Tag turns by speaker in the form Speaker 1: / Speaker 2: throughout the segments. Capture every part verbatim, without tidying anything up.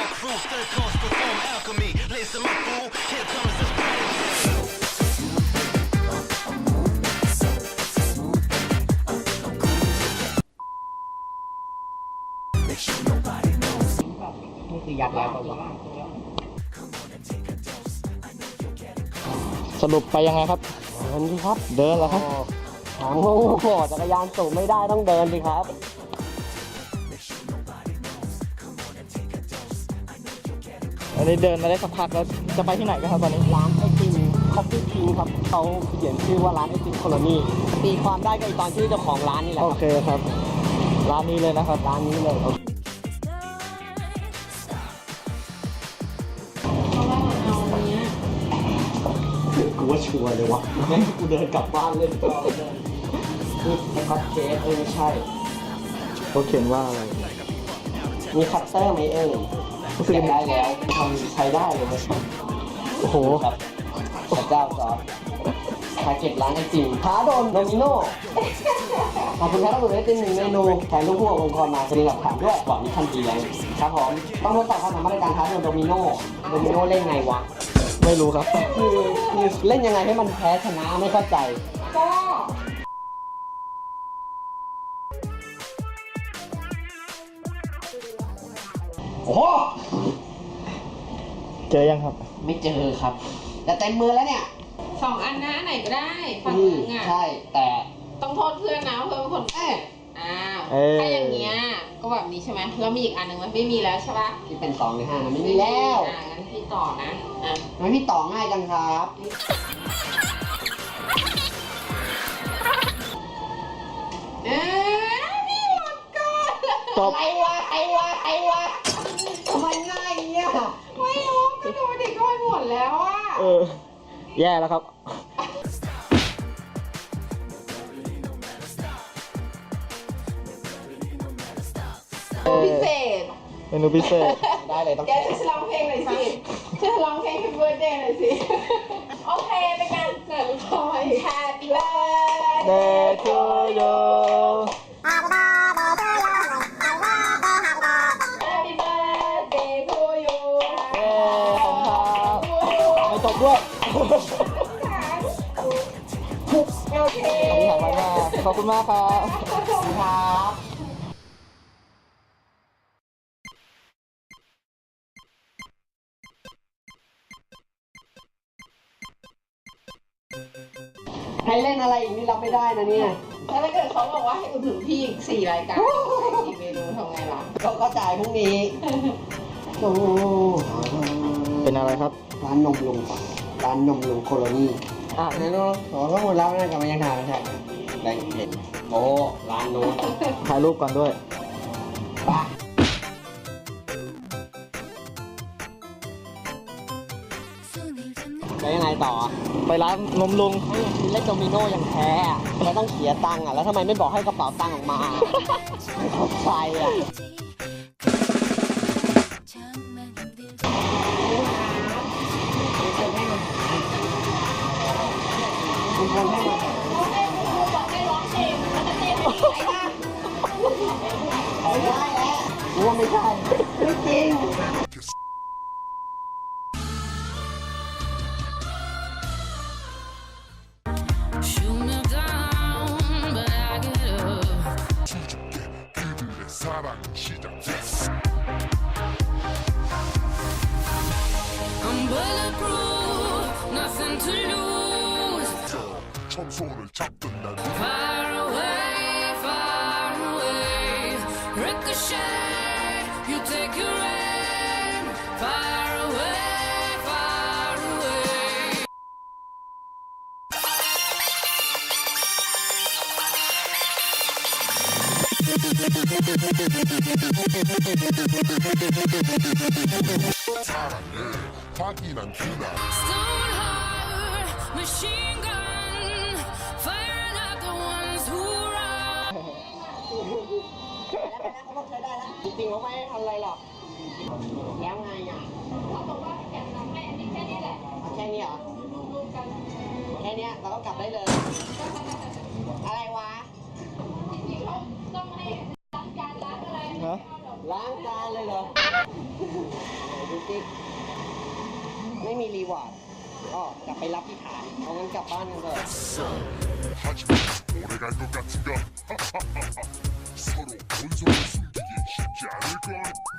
Speaker 1: crew, third course perform alchemy. Listen, my fool, here comes this party.
Speaker 2: นี่คือยัดแล้วป่ะ
Speaker 3: สรุปไปยังไงครับ
Speaker 2: เดินสิครับ
Speaker 3: เดินเหรอครับ
Speaker 2: ทางโง่จักรยานสูงไม่ได้ต้องเดินสิครับ
Speaker 3: อันนี้เดินมาได้สักพักแล้วจะไปที่ไหนกันครับตอนนี้
Speaker 2: ร้านไอติมคอฟฟี่คิงครับเขาเขียนชื่อว่าร้านไอติมโคโลนีตีความได้ก็ไอตอนชื่อเจ้าของร้านนี่แหละ
Speaker 3: โอเคครับ ร้านนี้เลยนะครับ
Speaker 2: ร้านนี้เลยกูว่าชัวร์เลยวะงั้นกูเดินกลับบ้านเลยคือคัตเค้กเออใช่
Speaker 3: เขาเขียนว่าอะไร
Speaker 2: มีคัตเตอร์ไหมเอ่ยเก็บได้แล้วทำใช้ได้เลยไหม
Speaker 3: โอ้โห
Speaker 2: ครับพระเจ้าซอสทาเก็ตร้านไอติมท้าโดนโดมิโน่ขอบคุณครับทุกคนได้เป็นหนึ่งเมนูแทนลูกพวกองค์กรมาจะมีหลักฐานด้วยหวังมีทันทีแล้วครับผมต้องทดสอบความสามารถในการท้าโดนโดมิโน่โดมิโน่เล่นไงวะ
Speaker 3: ไม่รู้ครับ
Speaker 2: คือคือเล่นยังไงให้มันแพ้ชนะไม่เข้าใจก็โอ้โห
Speaker 3: เจอยังครับ
Speaker 2: ไม่เจอครับ แต่เต็มมือแล้วเนี่ย
Speaker 4: สองอันนะไหนก็ได้ฝั่ง
Speaker 2: อื
Speaker 4: นึ
Speaker 2: ม
Speaker 4: งอ่ะ
Speaker 2: ใช่แต่
Speaker 4: ต้องโทษเพื่อนนะเพื่อนเป็นคน
Speaker 2: เอ๊ะ
Speaker 4: อ้าว
Speaker 3: เอ้ย
Speaker 4: ถ้าอย่างเงี้ยก็แบบนี้ใช่ไหมแล้วมีอีกอันหนึ่งไหมไม่มีแล้วใช่ปะ
Speaker 2: ที่เป็นสองหรือห้านะไม่มีแล้ว
Speaker 4: อ่างั้นพี่ต่อนะอ่ะ
Speaker 2: ทำไมพี่ต่อง่ายจังครับ
Speaker 4: เอ๊ะพี่หมดก่อน
Speaker 3: ตบ
Speaker 2: ไอ้วะไอ้วะไอ้วะทำไมง่ายอย่างเงี้ย
Speaker 4: ไม่รู้ก็ดูดิก็หมดแล้วอ่ะ
Speaker 3: เออ แย่แล้วครับ
Speaker 4: พิเศษ
Speaker 3: เมนูพิเศษ
Speaker 2: ได้เลยต้อง
Speaker 4: แกจะร้องเพลงหน่อยสิจะร้องเพลง Happy Birthday หน่อยสิโอเคเป็นการเกิดพอย Happy Birthday
Speaker 3: Day to you
Speaker 4: Happy Birthday to you
Speaker 3: เย้ขอบคุณครับไม่ตกด้วย
Speaker 4: โอเค
Speaker 3: ขอบคุณมากขอบคุณมากครับ
Speaker 2: ครับให้เล่นอะไรอีกนี่รับไม่ได้นะเนี่ย
Speaker 4: แล้วถ้าเกิดเขาบอกว่าให้อุดหนุนพี่อีกสี่รายการสี่เมนูทำไงล่ะ
Speaker 2: ก็ก็จ่ายพรุ่งนี้โอ้
Speaker 3: เป็นอะไรครับ
Speaker 2: ร้านนมลุงร้านนมลุงโคโลนีอ่ะไหนลูกขอข้อมูลแล้วนะกลับมายังทานไม่ใช่แบงค์เห็นโอ้ร้านนู้น
Speaker 3: ถ่ายรูปก่อนด้วย
Speaker 2: ปะแล้วยังไงต่อ
Speaker 3: ไปร้านนมลุง
Speaker 2: ไม่คือเล่นโดมิโน่ยังแพ้อะแล้วต้องเสียตังค์อ่ะแล้วทำไมไม่บอกให้กระเป๋าตังค์ออกมาไม่เข้าใจอ่ะคุณคนให้มาไม่ได้แล้วรู้ว่าไม่ใช่ไม่จริง
Speaker 5: Shoot me down, but I get up.
Speaker 6: 사랑 시작.
Speaker 5: I'm bulletproof, nothing to lose.
Speaker 6: 청소를 잡던 날
Speaker 5: Far away, far away. Ricochet, you take your aim. Far away, far away.
Speaker 6: 사랑해 확인한 그날
Speaker 5: Stone heart, machine gun, firing at the ones who run.
Speaker 2: จริงๆเขาไม่ให้ทำอะไรหรอกแล้วไงอ่ะ
Speaker 4: เขาบอกว่าแกะน้ำให้อันนี้แค่นี้แหละ
Speaker 2: เอาแค่นี้เหรอ
Speaker 4: รวมๆกัน
Speaker 2: แค่เนี้ยเราก็กลับได้เลย อะไรวะ
Speaker 4: จริงๆเขาต้องให้ล้างจานล้างอะไร
Speaker 3: ฮะ
Speaker 2: ล้างจานเลยเหรอหว่าก็กลับไปรับที่ฐานเอางั้นกลับบ้านกันเถอะ
Speaker 6: 하지만 오래 갈 것 같은가? 서로 본성을 숨기기 쉽지 않을걸?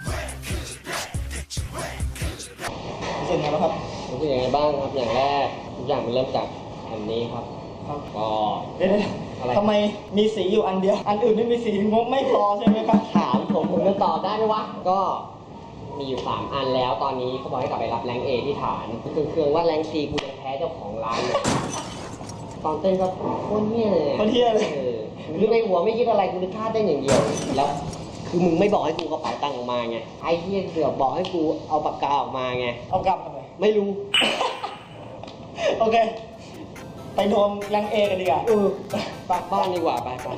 Speaker 3: เสร็จแล้วครับ
Speaker 2: รู้สึกยังไงบ้างครับอย่างแรกทุกอย่างมันเริ่มจากอันนี้ครับก็
Speaker 3: เดี๋ยว
Speaker 2: อะไร
Speaker 3: ทำไมมีสีอยู่อันเดียว อันอื่นไม่มีสีงบไม่พอใช่ไหมครับ
Speaker 2: ถามผมผมจะตอบได้ไหมวะก็มีอยู่สามอันแล้วตอนนี้เขาบอกให้กลับไปรับแรงเอที่ฐานคือเครื่องว่าแรงซีกูยังแพ้เจ้าของร้านเลยตอนเต้นก็โคตรเหี้ยเลย
Speaker 3: โคตรเหี้ยเลย
Speaker 2: ออคือในหัวไม่คิดอะไรกูนึกท่าเต้นอย่างเดียวแล้วคือมึงไม่บอกให้กูกระเป๋าตังค์ออกมาไงไอ้เหี้ยเสือกบอกให้กูเอาปากกาออกมาไง
Speaker 3: เอากลับทำไม
Speaker 2: ไม่รู้
Speaker 3: โอเค ไปโดนยังเอกันดีกว่า
Speaker 2: เออกลับบ้านดีกว่าไปไป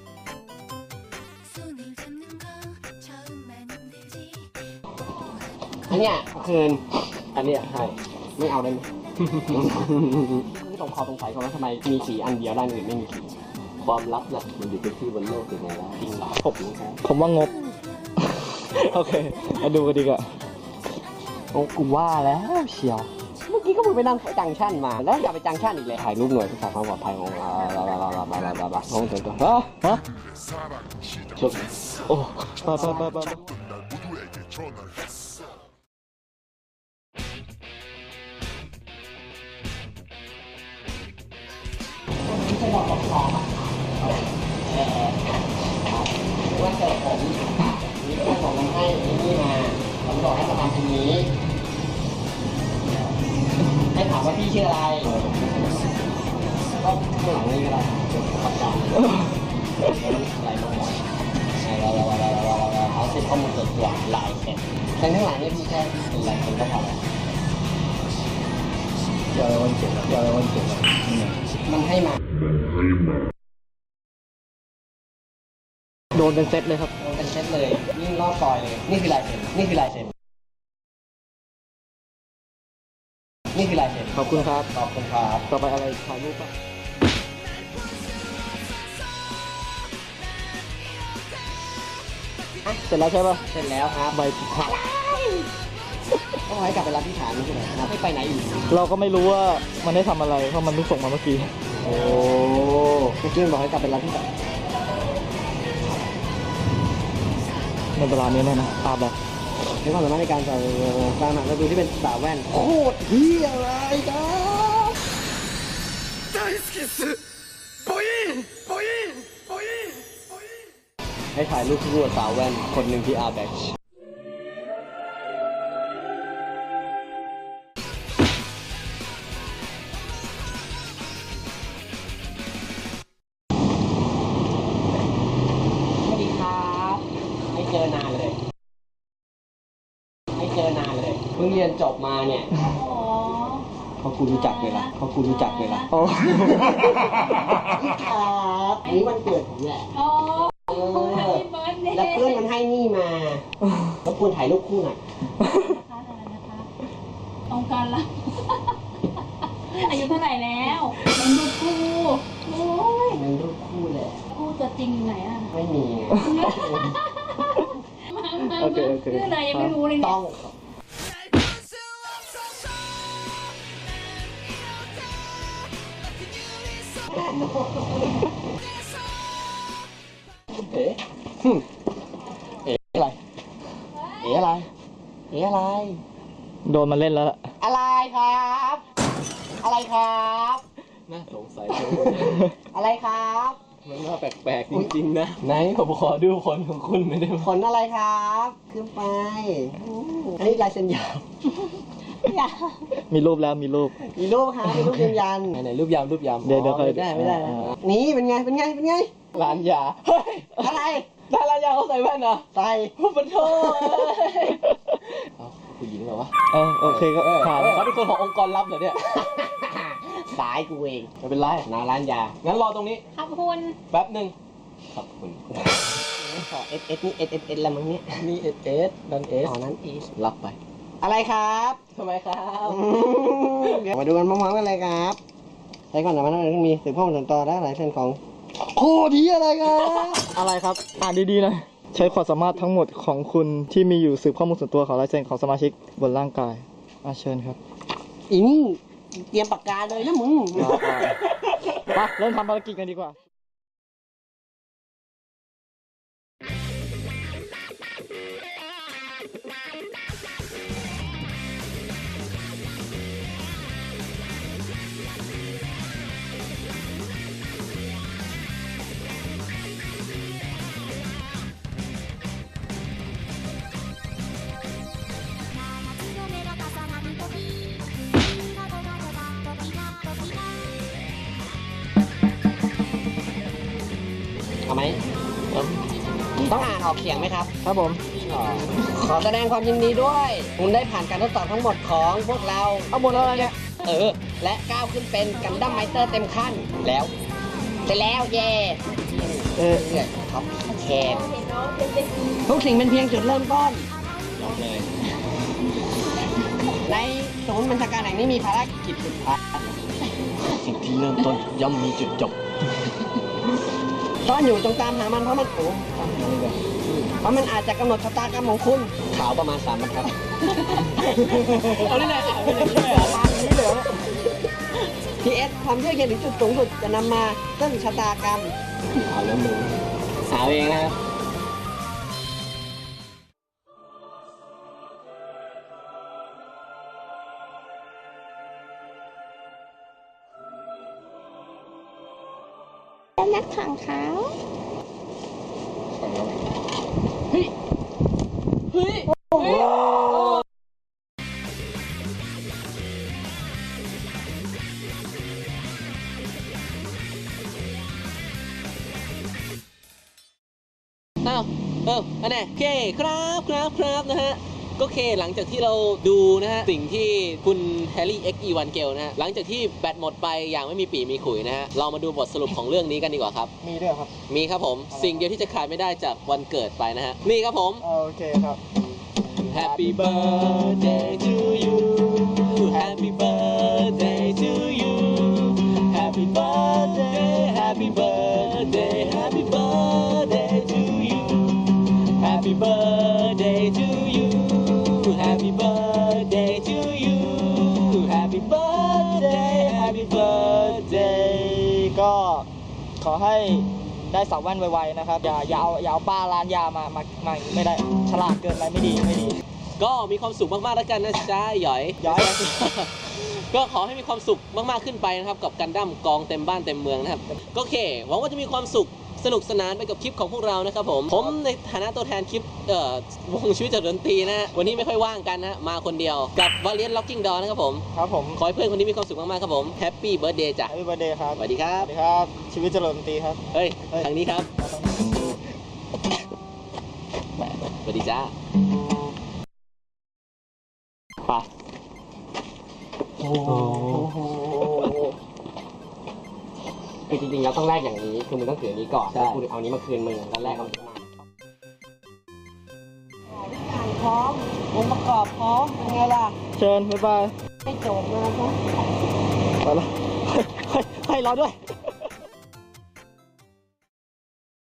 Speaker 5: 손을 잡는 건 처음만 힘들지
Speaker 2: อันเนี้ยคืนอันเนี้ยให้ไม่เอาได้ไหม ไม่ต้องขอสงสัยก่อนว่าทำไมมีสีอันเดียวด้านอื่นไม่มีสีความลับน่ะมันอยู่ที่บนโลกเป็นไงวะจริงเหรอผมครับ
Speaker 3: ผมว่างบ โอเค มาดูกันดีกว่า
Speaker 2: โอ้กูว่าแล้วเชียว เมื่อกี้ก็มึงไปนั่งจังชั่นมาแล้วอย่าไปจังชั่นอีกเลยถ่ายรูปหน่วยเพื่อความปลอดภัยของเราเราเราเราเราเราเราของตัวตัวฮะฮะ
Speaker 6: 사랑 시작
Speaker 2: ชุบ
Speaker 3: โอ้ไปไปไปไป
Speaker 6: 잡던 날 모두에게 전화를 했어
Speaker 2: ว่าเกิดผมมีคนส่งมาให้นี่มาผมบอกให้มาทำตรงนี้ ให้ถามว่าพี่ชื่ออะไร ก็ข้างหลังนี่ก็ได้ขอบคุณอะไรมาบอกอะไรอะไรอะไรอะไรเขาเซ็นข้อมูลส่วนตัวลายเซ็นแต่ข้างหลังนี่พี่แค่เป็นลายเซ็นก็พอแล้ว
Speaker 3: เดี๋ยววันเกิดเดี๋ยววันเกิด
Speaker 2: มันให้มา
Speaker 3: โดนเป็นเซตเลยครับ
Speaker 2: เป็นเซ็ตเลยนี่รอบซอยเลย นี่คือลายเซ็นนี่คือลายเซ็นนี่คือลายเซ็น
Speaker 3: ขอบคุณครับ
Speaker 2: ขอบคุณครับ
Speaker 3: ต่อไปอะไรถ่ายรูปป่ะเสร็จแล้วใช่ป่ะ
Speaker 2: เสร็จแล้วครับ
Speaker 3: ใบผิดพลาด
Speaker 2: ต้องให้กลับไปรับที่ฐานนี่ใช่ไหมครับไม่ไปไหนอยู่
Speaker 3: เราก็ไม่รู้ว่ามันได้ทำอะไร เพราะมันเพิ่งส่งมาเมื่อกี้
Speaker 2: โอ้เมื่อกี้มันบอกให้กลับไปรับที่ฐาน
Speaker 3: ในเวลานี้เนี่ยนะตาแบบ
Speaker 2: ใช้ความสามารถในการใส่ตามหนักเราดูที่เป็นสาวแว่นโคตรเฮียอะไรครับให้ถ่ายรูปคู่กับสาวแว่นคนหนึ่งที่อาร์แบ็กสวัสดีครับไม่เจอนานเลยไม่เจอนานเลยเพิ่งเรียนจบมาเนี่ย
Speaker 4: อ๋อ
Speaker 2: เขากูรู้จักเลยล่ะเขากูรู้จักเลยล่ะโอ้ครับอันนี้วันเกิดผมแหละ
Speaker 4: อ๋อ
Speaker 2: เอ
Speaker 4: แฮป
Speaker 2: อ
Speaker 4: ปี้เบิร์ดเดย์
Speaker 2: แล้วเพื่อนมันให้นี่มาแล้วควรถ่ายรูปคู่หน่อย
Speaker 4: นะคะอะไรนะคะองค์การละ อายุเท่าไหร่แล้วเป็นลูกคู่โอ้ย
Speaker 2: เป็นรูปคู่แหละ
Speaker 4: คู่ตัวจริงอยู่ไหนอ่ะ
Speaker 2: ไม่มีไง
Speaker 4: มามา
Speaker 3: โอเคโอเค
Speaker 4: ชื่ออะไรยังไม่รู้เลยเนี่ย
Speaker 2: ต้อง เอ๋หึเอ๋อะไร เอ๋อะไร เอ๋อะไร
Speaker 3: โดนมาเล่นแล้วล่ะ
Speaker 2: อะไรครับ อะไรครับ น่าสงสัยอะไรครับ มันน่าแปลกๆจริงๆนะ ไหนผมขอดูผลของคุณหน่อยได้ไหมผลอะไรครับขึ้นไปอู้อันนี้ลายเซ็นยาว
Speaker 4: อย่า
Speaker 3: มีรูปแล้วมีรูป
Speaker 2: มีรูปครับมีรูปยืนยันไหนๆรูปยามรูปยาม
Speaker 3: เดี๋ยวเดี๋ยว
Speaker 2: อ๋อ
Speaker 3: ค่อย
Speaker 2: ไม่ได้ไม่ได้นะ
Speaker 3: อ่า
Speaker 2: นี่เป็นไงเป็นไงเป็นไง
Speaker 3: ร้านยา เฮ้ย
Speaker 2: อะไร
Speaker 3: ร้านร้านยาเขาใส่แว่นเหรอ
Speaker 2: ใส่
Speaker 3: มันโทษ
Speaker 2: เอาผู้หญิงเหรอวะ
Speaker 3: เออโอเคก็
Speaker 2: เออ
Speaker 3: ผ่าน
Speaker 2: เออ
Speaker 3: เขาเป็นคนขององค์กรลับเหรอเนี่ย
Speaker 2: สายกูเองไม่เป็นไรนาร้านยา
Speaker 3: งั้นรอตรงนี้
Speaker 4: ขอบคุณ
Speaker 3: แป๊บหนึ่ง
Speaker 2: ขอบคุณขอเอสเอสนี่เอสเอสเอสละมั้งเนี่ย
Speaker 3: นี่เอสเอสนันเอส
Speaker 2: อ๋อนั้นเอสรับไป อะไรครับ
Speaker 3: ทำไมครับ
Speaker 2: อืมเดี๋ยวมาดูกันพร้อมๆกันเลยครับใช้ก่อนนะมันต้องมีสืบข้อมูลส่วนตัวและหลายเส้นของโคดีอะไรครับ
Speaker 3: อะไรครับ อ่านดีๆหน่อยใช้ความสามารถทั้งหมดของคุณที่มีอยู่สืบข้อมูลส่วนตัวของลายเซ็นของสมาชิกบนร่างกายอาเชิญครับ
Speaker 2: อีนี่เตรียมปากกาเลยนะมึง
Speaker 3: ไปเริ่มทำภารกิจกันดีกว่า
Speaker 2: เอาไหมต้องอ่านออกเขียงไหมครับ
Speaker 3: ครับผม
Speaker 2: ขอแสดงความยินดีด้วย คุณได้ผ่านการทดสอบทั้งหมดของพวกเรา
Speaker 3: เอาหมดแล้วอะไรเนี่ย
Speaker 2: เออ และก้าวขึ้นเป็นกันดั้มไมเตอร์เต็มขั้น แล้วเสร็จแล้วเย่
Speaker 3: เออ
Speaker 2: เนี่ยท็อปแชร์ทุกสิ่งเป็นเพียงจุดเริ่มต้นบอกเลย ในศูนย์บัญชาการแห่งนี้มีภารกิจสุดท้ายสิ่งที่เริ่มต้นย่อมมีจุดจบซ่อนอยู่จงตามหามันเพราะมันโอ้เพราะมันอาจจะกำหนดชะตากรรมของคุณขาวประมาณสามบรรทัดเอาได้เลยเอาได้เลยทางนี้เหลือพีเอสความเชื่อเย็นถึงจุดสูงสุดจะนำมาซึ่งชะตากรรมเอาแล้วมึงหาเองนะครับ
Speaker 4: นักขังเขา
Speaker 2: เฮ้ย เฮ้ย โอ้โหอ้าวเอออันไหนโอเคครับครับครับนะฮะ ก็โอเคหลังจากที่เราดูนะฮะ สิ่งที่คุณแฮร์รี่ เอ็กซ์ อี วัน เกลนะฮะ หลังจากที่แบตหมดไปอย่างไม่มีปีมีขุยนะฮะ เรามาดูบทสรุปของเรื่องนี้กันดีกว่าครับ
Speaker 3: มีด้วยครับ
Speaker 2: มีครับผม สิ่งเดียวที่จะขาดไม่ได้จากวันเกิดไปนะฮะ นี่ครับผม
Speaker 3: โอเคครับ
Speaker 2: Happy birthday to you Happy birthday to you Happy birthday Happy birthday Happy birthday to you Happy birthday to you Happy birthday to you Happy birthday Happy birthday
Speaker 3: ก็ขอให้ได้สาวแว่นไวๆนะครับ อย่าอย่าเอาอย่าเอาป้าร้านยามามามาอย่างนี้ไม่ได้ ฉลาดเกินไปไม่ดีไม่ดี
Speaker 2: ก็มีความสุขมากๆแล้วกันนะจ๊ะหยอย
Speaker 3: หยอย
Speaker 2: ก็ขอให้มีความสุขมากๆขึ้นไปนะครับกับกันดั้มกองเต็มบ้านเต็มเมืองนะครับก็โอเคหวังว่าจะมีความสุขสนุกสนานไปกับคลิปของพวกเรานะครับผมผมในฐานะตัวแทนคลิปเอ่อวงชีวิตจากดนตรีนะฮะวันนี้ไม่ค่อยว่างกันนะมาคนเดียวกับ Valiant Locking Door นะครับผม
Speaker 3: ครับผม
Speaker 2: ขอให้เพื่อนคนนี้มีความสุขมากๆครับผม Happy Birthday จ้ะ
Speaker 3: แฮปปี้เบิร์ดเดย์ครับ
Speaker 2: สวัสดีครั
Speaker 3: ส
Speaker 2: บ
Speaker 3: วัสดีครับ ชีวิตเจริญดนตรีครับ
Speaker 2: เฮ้ย
Speaker 3: เฮ้ย
Speaker 2: ทางนี้ครับสวัสดีจ้าไปโอ้โหคือจริงๆเราต้องแลกอย่างนี้คือมึงต้องถืออันนี้ก่อนแล้วกูเอาอันนี้มาคืนมึงแล้วแลกเอาอันนี้มาพร้อมองค์ประกอบพร้อมเป็นไงล่ะ
Speaker 3: เชิญ บ๊ายบาย
Speaker 2: ให้จบนะครับ
Speaker 3: ไปละให้ให้เราด้วย